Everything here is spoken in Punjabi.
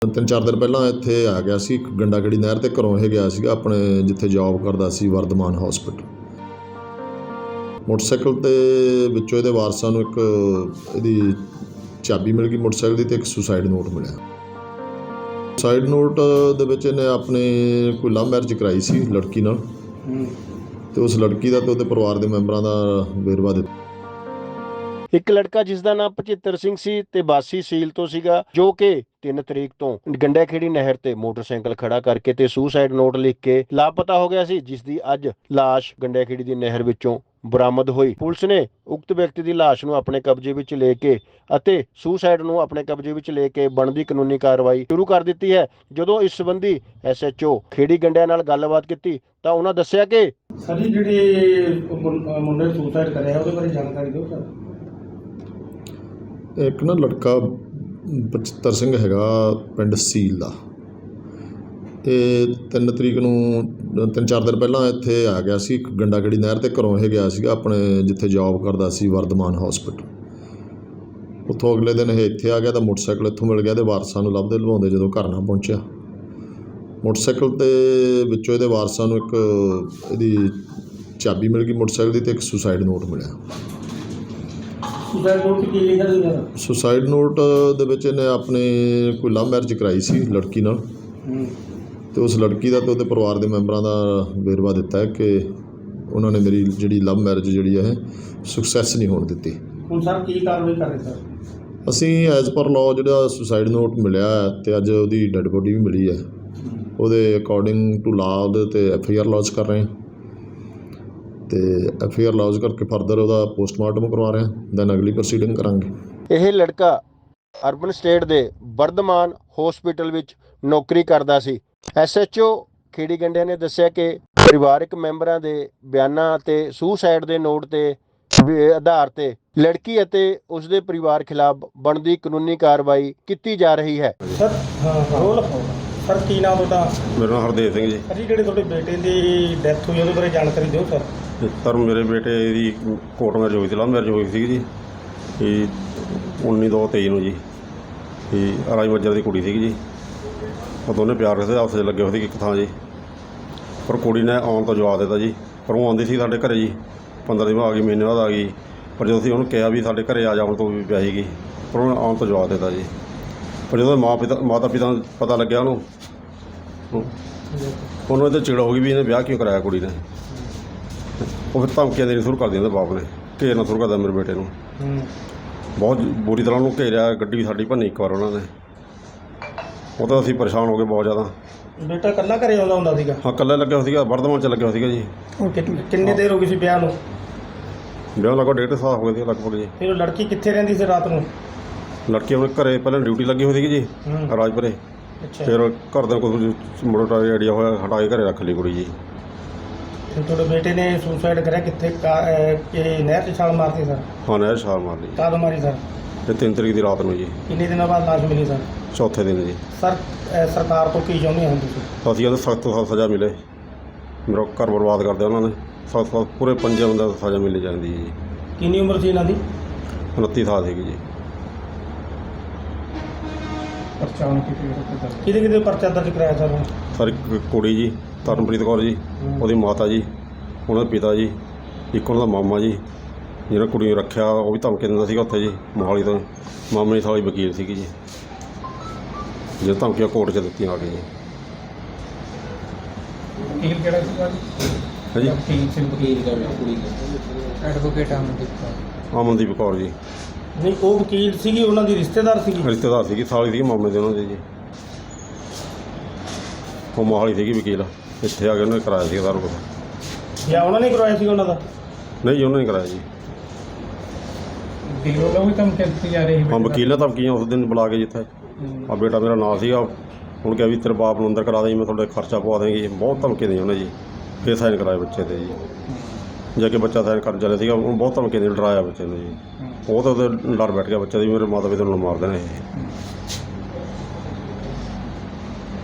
3-4 ਦਿਨ ਪਹਿਲਾਂ ਇੱਥੇ ਆ ਗਿਆ ਸੀ ਗੰਡਾਗੜੀ ਨਹਿਰ 'ਤੇ ਘਰੋਂ ਇਹ ਗਿਆ ਸੀਗਾ ਆਪਣੇ ਜਿੱਥੇ ਜੌਬ ਕਰਦਾ ਸੀ ਵਰਧਮਾਨ ਹਸਪੀਟਲ। ਮੋਟਰਸਾਈਕਲ 'ਤੇ ਵਿੱਚੋਂ ਇਹਦੇ ਵਾਰਸਾਂ ਨੂੰ ਇੱਕ ਇਹਦੀ ਚਾਬੀ ਮਿਲ ਗਈ ਮੋਟਰਸਾਈਕਲ ਦੀ ਅਤੇ ਇੱਕ ਸੁਸਾਈਡ ਨੋਟ ਮਿਲਿਆ। ਸੁਸਾਈਡ ਨੋਟ ਦੇ ਵਿੱਚ ਇਹਨੇ ਆਪਣੇ ਕੋਈ ਲਵ ਮੈਰਿਜ ਕਰਾਈ ਸੀ ਲੜਕੀ ਨਾਲ ਅਤੇ ਉਸ ਲੜਕੀ ਦਾ ਅਤੇ ਉਹਦੇ ਪਰਿਵਾਰ ਦੇ ਮੈਂਬਰਾਂ ਦਾ ਵੇਰਵਾ ਦਿੱਤਾ। ਇੱਕ ਲੜਕਾ ਜਿਸ ਦਾ ਨਾਮ ਭਚਿੱਤਰ ਸਿੰਘ ਸੀ ਤੇ ਬਾਸੀ ਸੀਲ ਤੋਂ ਸੀਗਾ, ਜੋ ਕਿ 3 ਤਰੀਕ ਤੋਂ ਗੰਡਾਖੇੜੀ ਨਹਿਰ ਤੇ ਮੋਟਰਸਾਈਕਲ ਖੜਾ ਕਰਕੇ ਤੇ ਸੁਸਾਈਡ ਨੋਟ ਲਿਖ ਕੇ ਲਾਪਤਾ ਹੋ ਗਿਆ ਸੀ, ਜਿਸ ਦੀ ਅੱਜ ਲਾਸ਼ ਗੰਡਾਖੇੜੀ ਦੀ ਨਹਿਰ ਵਿੱਚੋਂ ਬਰਾਮਦ ਹੋਈ। ਪੁਲਿਸ ਨੇ ਉਕਤ ਵਿਅਕਤੀ ਦੀ ਲਾਸ਼ ਨੂੰ ਆਪਣੇ ਕਬਜ਼ੇ ਵਿੱਚ ਲੈ ਕੇ ਅਤੇ ਸੁਸਾਈਡ ਨੂੰ ਆਪਣੇ ਕਬਜ਼ੇ ਵਿੱਚ ਲੈ ਕੇ ਬਣਦੀ ਕਾਨੂੰਨੀ ਕਾਰਵਾਈ ਸ਼ੁਰੂ ਕਰ ਦਿੱਤੀ ਹੈ। ਜਦੋਂ ਇਸ ਸੰਬੰਧੀ SHO ਖੇੜੀ ਗੰਡਿਆਂ ਨਾਲ ਗੱਲਬਾਤ ਕੀਤੀ ਤਾਂ ਉਹਨਾਂ ਦੱਸਿਆ ਕਿ ਸਰ ਜਿਹੜੇ ਮੁੰਡੇ ਨੇ ਸੁਸਾਈਡ ਕਰਿਆ ਉਹਦੇ ਬਾਰੇ ਜਾਣਕਾਰੀ ਦਿਓ ਸਰ। ਇੱਕ ਨਾ ਲੜਕਾ ਭਚਿੱਤਰ ਸਿੰਘ ਹੈਗਾ ਪਿੰਡ ਸੀਲ ਦਾ, ਇਹ 3 ਤਰੀਕ ਨੂੰ 3-4 ਦਿਨ ਪਹਿਲਾਂ ਇੱਥੇ ਆ ਗਿਆ ਸੀ ਗੰਡਾਗੜੀ ਨਹਿਰ 'ਤੇ ਘਰੋਂ ਇਹ ਗਿਆ ਸੀਗਾ ਆਪਣੇ ਜਿੱਥੇ ਜੌਬ ਕਰਦਾ ਸੀ ਵਰਧਮਾਨ ਹਸਪੀਟਲ। ਉੱਥੋਂ ਅਗਲੇ ਦਿਨ ਇਹ ਇੱਥੇ ਆ ਗਿਆ ਤਾਂ ਮੋਟਰਸਾਈਕਲ ਇੱਥੋਂ ਮਿਲ ਗਿਆ ਅਤੇ ਵਾਰਸਾਂ ਨੂੰ ਲੱਭਦੇ ਲਵਾਉਂਦੇ ਜਦੋਂ ਘਰ ਨਾ ਪਹੁੰਚਿਆ, ਮੋਟਰਸਾਈਕਲ 'ਤੇ ਵਿੱਚੋਂ ਇਹਦੇ ਵਾਰਸਾਂ ਨੂੰ ਇੱਕ ਇਹਦੀ ਚਾਬੀ ਮਿਲ ਗਈ ਮੋਟਰਸਾਈਕਲ ਦੀ ਅਤੇ ਇੱਕ ਸੁਸਾਈਡ ਨੋਟ ਮਿਲਿਆ। ਸੁਸਾਈਡ ਨੋਟ ਦੇ ਵਿੱਚ ਇਹਨੇ ਆਪਣੇ ਕੋਈ ਲਵ ਮੈਰਿਜ ਕਰਾਈ ਸੀ ਲੜਕੀ ਨਾਲ ਅਤੇ ਉਸ ਲੜਕੀ ਦਾ ਅਤੇ ਉਹਦੇ ਪਰਿਵਾਰ ਦੇ ਮੈਂਬਰਾਂ ਦਾ ਵੇਰਵਾ ਦਿੱਤਾ ਹੈ ਕਿ ਉਹਨਾਂ ਨੇ ਮੇਰੀ ਜਿਹੜੀ ਲਵ ਮੈਰਿਜ ਜਿਹੜੀ ਹੈ ਸਕਸੈਸ ਨਹੀਂ ਹੋਣ ਦਿੱਤੀ। ਹੁਣ ਸਰ ਕੀ ਕਾਰਵਾਈ ਕਰ ਰਹੇ ਸਰ? ਅਸੀਂ ਐਜ਼ ਪਰ ਲਾਅ ਜਿਹੜਾ ਸੁਸਾਈਡ ਨੋਟ ਮਿਲਿਆ ਅਤੇ ਅੱਜ ਉਹਦੀ ਡੈੱਡ ਬੋਡੀ ਵੀ ਮਿਲੀ ਹੈ, ਉਹਦੇ ਅਕੋਰਡਿੰਗ ਟੂ ਲਾਅ ਉਹਦੇ 'ਤੇ FIR ਲੌਜ ਕਰ ਰਹੇ ਹਾਂ ਅਤੇ FIR ਲੌਜ ਕਰਕੇ ਫਰਦਰ ਉਹਦਾ ਪੋਸਟਮਾਰਟਮ ਕਰਵਾ ਰਹੇ ਹਾਂ, ਦੈਨ ਅਗਲੀ ਪ੍ਰੋਸੀਡਿੰਗ ਕਰਾਂਗੇ। ਇਹ ਲੜਕਾ ਅਰਬਨ ਸਟੇਟ ਦੇ ਵਰਧਮਾਨ ਹਸਪੀਟਲ ਵਿੱਚ ਨੌਕਰੀ ਕਰਦਾ ਸੀ। SHO ਖੇੜੀ ਗੰਡਿਆਂ ਨੇ ਦੱਸਿਆ ਕਿ ਪਰਿਵਾਰਕ ਮੈਂਬਰਾਂ ਦੇ ਬਿਆਨਾਂ ਅਤੇ ਸੁਸਾਈਡ ਦੇ ਨੋਟ ਦੇ ਆਧਾਰ 'ਤੇ ਲੜਕੀ ਅਤੇ ਉਸ ਦੇ ਪਰਿਵਾਰ ਖਿਲਾਫ ਬਣਦੀ ਕਾਨੂੰਨੀ ਕਾਰਵਾਈ ਕੀਤੀ ਜਾ ਰਹੀ ਹੈ। ਸਰ ਰੋਲ ਸਰ ਕੀ ਨਾਮ ਤੁਹਾਡਾ? ਮੇਰਾ ਨਾਮ ਹਰਦੇਵ ਸਿੰਘ ਜੀ। ਜੀ ਜਿਹੜੇ ਤੁਹਾਡੇ ਬੇਟੇ ਦੀ ਡੈਥ ਹੋਈ ਉਹਦੇ ਬਾਰੇ ਜਾਣਕਾਰੀ ਦਿਓ ਸਰ। ਸਰ ਮੇਰੇ ਬੇਟੇ ਦੀ ਕੋਰਟ ਮੈਰਿਜ ਹੋਈ ਸੀ, ਲਵ ਮੈਰਿਜ ਹੋਈ ਸੀਗੀ ਜੀ, ਇਹ 19/2/23 ਨੂੰ ਜੀ। ਇਹ ਰਾਜ ਮੱਜਰ ਦੀ ਕੁੜੀ ਸੀਗੀ ਜੀ, ਉਹ ਦੋਨੇ ਪਿਆਰ ਕਰਦੇ ਆਪਸ 'ਚ ਲੱਗੇ ਹੋਏ ਸੀ ਇੱਕ ਥਾਂ ਜੀ, ਪਰ ਕੁੜੀ ਨੇ ਆਉਣ ਤੋਂ ਜਵਾਬ ਦਿੱਤਾ ਜੀ। ਪਰ ਉਹ ਆਉਂਦੀ ਸੀ ਸਾਡੇ ਘਰ ਜੀ, 15 ਦਿਨ ਬਾਅਦ ਆ ਗਈ, ਮਹੀਨੇ ਬਾਅਦ ਆ ਗਈ, ਪਰ ਜਦੋਂ ਅਸੀਂ ਉਹਨੂੰ ਕਿਹਾ ਵੀ ਸਾਡੇ ਘਰ ਆ ਜਾਣ ਤੋਂ ਵੀ ਪਿਆ ਸੀਗੀ, ਪਰ ਉਹਨੇ ਆਉਣ ਤੋਂ ਜਵਾਬ ਦਿੱਤਾ ਜੀ। ਪਰ ਜਦੋਂ ਮਾਤਾ ਪਿਤਾ ਨੂੰ ਪਤਾ ਲੱਗਿਆ ਉਹਨੂੰ ਇਹਦੇ ਚਿੜ ਹੋ ਗਈ ਵੀ ਇਹਨੇ ਵਿਆਹ ਕਿਉਂ ਕਰਾਇਆ ਕੁੜੀ ਨੇ। ਉਹ ਫਿਰ ਧਮਕੀਆਂ ਦੇਣੀ ਸ਼ੁਰੂ ਕਰ ਦਿੰਦੇ ਬਾਪ ਨੇ, ਘੇਰਨਾ ਸ਼ੁਰੂ ਕਰਦਾ ਮੇਰੇ ਬੇਟੇ ਨੂੰ, ਬਹੁਤ ਬੁਰੀ ਤਰ੍ਹਾਂ ਉਹਨੂੰ ਘੇਰਿਆ, ਗੱਡੀ ਵੀ ਸਾਡੀ ਭੰਨੀ ਇੱਕ ਵਾਰ ਉਹਨਾਂ ਨੇ। ਉਹ ਤਾਂ ਅਸੀਂ ਪਰੇਸ਼ਾਨ ਹੋ ਗਏ ਬਹੁਤ ਜ਼ਿਆਦਾ। ਬੇਟਾ ਇਕੱਲਾ ਘਰੇ ਆਉਂਦਾ ਹੁੰਦਾ ਸੀਗਾ? ਹਾਂ ਇਕੱਲਾ ਲੱਗਿਆ ਹੋਇਆ ਸੀਗਾ, ਵਰਧਮਾਨ 'ਚ ਲੱਗਿਆ ਹੋਇਆ ਸੀਗਾ ਜੀ। ਕਿੰਨੀ ਦੇਰ ਹੋ ਗਈ ਸੀ ਵਿਆਹ ਨੂੰ? ਵਿਆਹ ਲਗਭਗ 1.5 ਸਾਲ ਹੋ ਗਏ ਸੀ ਲਗਭਗ ਜੀ। ਫਿਰ ਉਹ ਲੜਕੀ ਕਿੱਥੇ ਰਹਿੰਦੀ ਸੀ ਰਾਤ ਨੂੰ? ਲੜਕੀ ਆਪਣੇ ਘਰੇ ਪਹਿਲਾਂ ਡਿਊਟੀ ਲੱਗੀ ਹੋਈ ਸੀਗੀ ਜੀ ਰਾਜਪੁਰੇ, ਫਿਰ ਘਰ ਦਾ ਕੁਝ ਮੁੰਡਾ ਆਈਡੀਆ ਹੋਇਆ, ਹਟਾ ਕੇ ਘਰੇ ਰੱਖ ਲਈ ਕੁੜੀ ਜੀ। ਫਿਰ ਤੁਹਾਡੇ ਬੇਟੇ ਨੇ ਸੁਸਾਈਡ ਕਰਿਆ ਕਿੱਥੇ? ਨਹਿਰ 'ਚ ਛਾਲ ਮਾਰਤੀ ਸਰ? ਹਾਂ ਨਹਿਰ ਛਾਲ ਮਾਰ ਲਈ। ਕਦੋਂ ਮਾਰੀ ਸਰ? ਤੇ 3 ਤਰੀਕ ਦੀ ਰਾਤ ਨੂੰ ਜੀ। ਕਿੰਨੇ ਦਿਨਾਂ ਬਾਅਦ ਲਾਸ਼ ਮਿਲੀ ਸਰ? ਚੌਥੇ ਦਿਨ ਜੀ। ਸਰ ਸਰਕਾਰ ਤੋਂ ਕੀ ਚਾਹੁੰਦੇ ਹੋ ਤੁਸੀਂ? ਅਸੀਂ ਉਹਨੂੰ ਸਖਤ ਤੋਂ ਸਖਤ ਸਜ਼ਾ ਮਿਲੇ, ਮੇਰਾ ਘਰ ਬਰਬਾਦ ਕਰਦੇ ਉਹਨਾਂ ਨੇ, ਸਖਤ ਪੂਰੇ 5 ਬੰਦਿਆਂ ਨੂੰ ਸਜ਼ਾ ਮਿਲ ਜਾਂਦੀ ਹੈ ਜੀ। ਕਿੰਨੀ ਉਮਰ ਸੀ ਇਹਨਾਂ ਦੀ? 29 ਸਾਲ ਸੀਗੀ ਜੀ। ਕਿਹਦੇ ਪਰਚਾ ਦਰਜ ਕਰਾਇਆ ਸਰ? ਸਰ ਇੱਕ ਕੁੜੀ ਜੀ ਤਰਨਪ੍ਰੀਤ ਕੌਰ ਜੀ, ਉਹਦੀ ਮਾਤਾ ਜੀ, ਉਹਨਾਂ ਦੇ ਪਿਤਾ ਜੀ, ਇੱਕ ਉਹਨਾਂ ਦਾ ਮਾਮਾ ਜੀ, ਜਿਹਨਾਂ ਕੁੜੀ ਨੂੰ ਰੱਖਿਆ ਉਹ ਵੀ ਧਮਕੀ ਦਿੰਦਾ ਸੀਗਾ ਉੱਥੇ ਜੀ ਮੋਹਾਲੀ ਤੋਂ। ਮਾਮੇ ਦੀ ਸਾਲੀ ਵਕੀਲ ਸੀਗੀ ਜੀ, ਜਿਹਨਾਂ ਧਮਕੀਆਂ ਕੋਰਟ 'ਚ ਦਿੱਤੀਆਂ ਆ ਕੇ ਜੀ। ਵਕੀਲ ਕਿਹੜਾ ਸੀਗਾ ਜੀ? ਵਕੀਲ ਕੁੜੀ ਐਡਵੋਕੇਟ ਅਮਨਦੀਪ ਕੌਰ ਜੀ। ਨਹੀਂ ਉਹ ਵਕੀਲ ਸੀਗੀ, ਉਹਨਾਂ ਦੀ ਰਿਸ਼ਤੇਦਾਰ ਸੀਗੀ, ਸਾਲੀ ਸੀਗੀ ਮਾਮੇ ਦੇ ਉਹਨਾਂ ਦੇ ਜੀ। ਉਹ ਮੋਹਾਲੀ ਸੀਗੀ ਵਕੀਲ, ਇੱਥੇ ਆ ਕੇ ਉਹਨੇ ਕਰਾਇਆ ਸੀਗਾ ਸਾਰਾ ਕੁਛ। ਜਾਂ ਉਹਨਾਂ ਨੇ ਕਰਵਾਇਆ ਸੀ ਉਹਨਾਂ ਦਾ? ਨਹੀਂ ਜੀ, ਉਹਨਾਂ ਨੇ ਕਰਾਇਆ ਜੀ। ਹਾਂ ਵਕੀਲ ਨੇ ਧਮਕੀਆਂ ਉਸ ਦਿਨ ਬੁਲਾ ਕੇ ਜਿੱਥੇ ਆ ਬੇਟਾ ਮੇਰਾ ਨਾਂ ਸੀਗਾ, ਹੁਣ ਕਿਹਾ ਵੀ ਤੇਰੇ ਬਾਪ ਨੂੰ ਅੰਦਰ ਕਰਾ ਦੇ, ਮੈਂ ਤੁਹਾਡੇ ਖਰਚਾ ਪਵਾ ਦੇਂਗੀ, ਬਹੁਤ ਧਮਕੀ ਦੇਈ ਉਹਨੇ ਜੀ। ਫਿਰ ਸਾਈਨ ਕਰਾਏ ਬੱਚੇ 'ਤੇ ਜੀ, ਜਾ ਕੇ ਬੱਚਾ ਸਾਈਨ ਕਰ ਚੱਲਿਆ ਸੀਗਾ, ਉਹਨੂੰ ਬਹੁਤ ਧਮਕੀ ਦੇ ਡਰਾਇਆ ਬੱਚੇ ਨੂੰ ਜੀ। ਉਹ ਤਾਂ ਉਹਦੇ ਡਰ ਬੈਠ ਗਿਆ ਬੱਚੇ ਦੀ, ਮੇਰੇ ਮਾਤਾ ਪਿਤਾ ਨੂੰ ਮਾਰ ਦੇਣਾ ਇਹ।